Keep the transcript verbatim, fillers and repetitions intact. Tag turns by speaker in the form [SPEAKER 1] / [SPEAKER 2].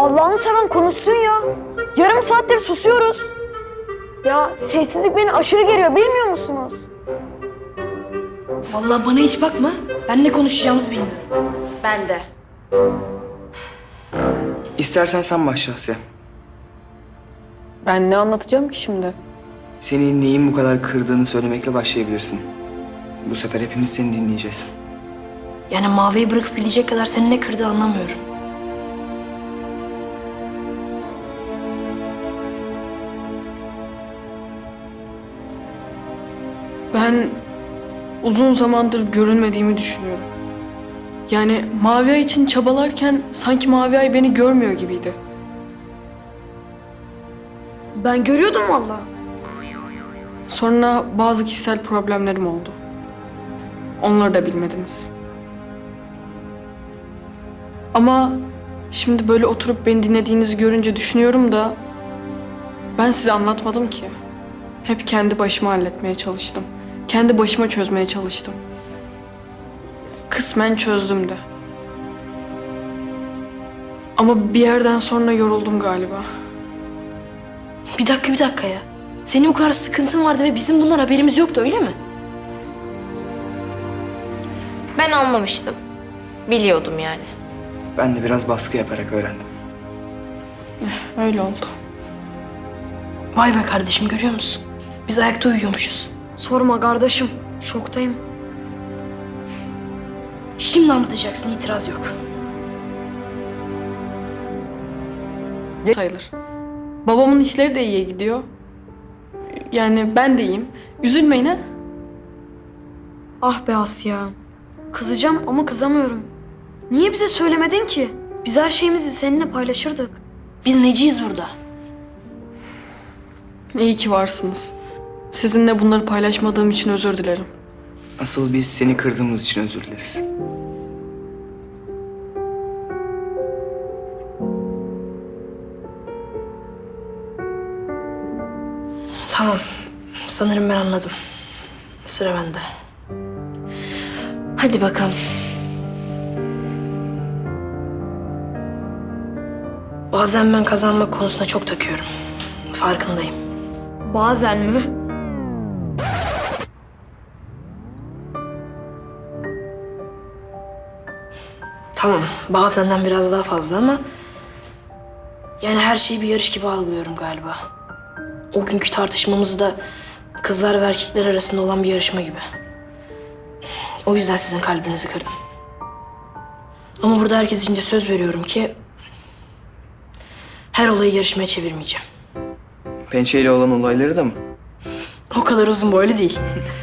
[SPEAKER 1] Allah'ını seven konuşsun ya. Yarım saattir susuyoruz. Ya sessizlik beni aşırı geriyor, bilmiyor musunuz?
[SPEAKER 2] Vallahi bana hiç bakma. Ben ne konuşacağımızı bilmiyorum.
[SPEAKER 1] Ben de.
[SPEAKER 3] İstersen sen başla Asya.
[SPEAKER 4] Ben ne anlatacağım ki şimdi?
[SPEAKER 3] Seni neyin bu kadar kırdığını söylemekle başlayabilirsin. Bu sefer hepimiz seni dinleyeceğiz.
[SPEAKER 2] Yani Mavi'yi bırakıp gidecek kadar seni ne kırdı anlamıyorum.
[SPEAKER 4] Ben uzun zamandır görünmediğimi düşünüyorum. Yani Mavi Ay için çabalarken sanki Mavi Ay beni görmüyor gibiydi.
[SPEAKER 1] Ben görüyordum vallahi.
[SPEAKER 4] Sonra bazı kişisel problemlerim oldu. Onları da bilmediniz. Ama şimdi böyle oturup beni dinlediğinizi görünce düşünüyorum da ben size anlatmadım ki. Hep kendi başıma halletmeye çalıştım. Kendi başıma çözmeye çalıştım. Kısmen çözdüm de. Ama bir yerden sonra yoruldum galiba.
[SPEAKER 2] Bir dakika bir dakika ya. Senin bu kadar sıkıntın vardı ve bizim bundan haberimiz yoktu öyle mi?
[SPEAKER 5] Ben anlamıştım. Biliyordum yani.
[SPEAKER 3] Ben de biraz baskı yaparak öğrendim.
[SPEAKER 4] Öyle oldu.
[SPEAKER 2] Vay be kardeşim görüyor musun? Biz ayakta uyuyormuşuz.
[SPEAKER 1] Sorma kardeşim, şoktayım.
[SPEAKER 2] Şimdi anlatacaksın itiraz yok.
[SPEAKER 4] Sayılır. Babamın işleri de iyiye gidiyor. Yani ben de iyiyim. Üzülmeyin ha.
[SPEAKER 1] Ah be Asya. Kızacağım ama kızamıyorum. Niye bize söylemedin ki? Biz her şeyimizi seninle paylaşırdık.
[SPEAKER 2] Biz neciyiz burada?
[SPEAKER 4] İyi ki varsınız. Sizinle bunları paylaşmadığım için özür dilerim.
[SPEAKER 3] Asıl biz seni kırdığımız için özür dileriz.
[SPEAKER 2] Tamam. Sanırım ben anladım. Sıra bende. Hadi bakalım. Bazen ben kazanmak konusuna çok takıyorum. Farkındayım.
[SPEAKER 1] Bazen mi?
[SPEAKER 2] Tamam, bazenden biraz daha fazla ama... Yani her şeyi bir yarış gibi algılıyorum galiba. O günkü tartışmamız da kızlar ve erkekler arasında olan bir yarışma gibi. O yüzden sizin kalbinizi kırdım. Ama burada herkes için de söz veriyorum ki... her olayı yarışmaya çevirmeyeceğim.
[SPEAKER 3] Pençeyle olan olayları da mı?
[SPEAKER 2] O kadar uzun boylu değil.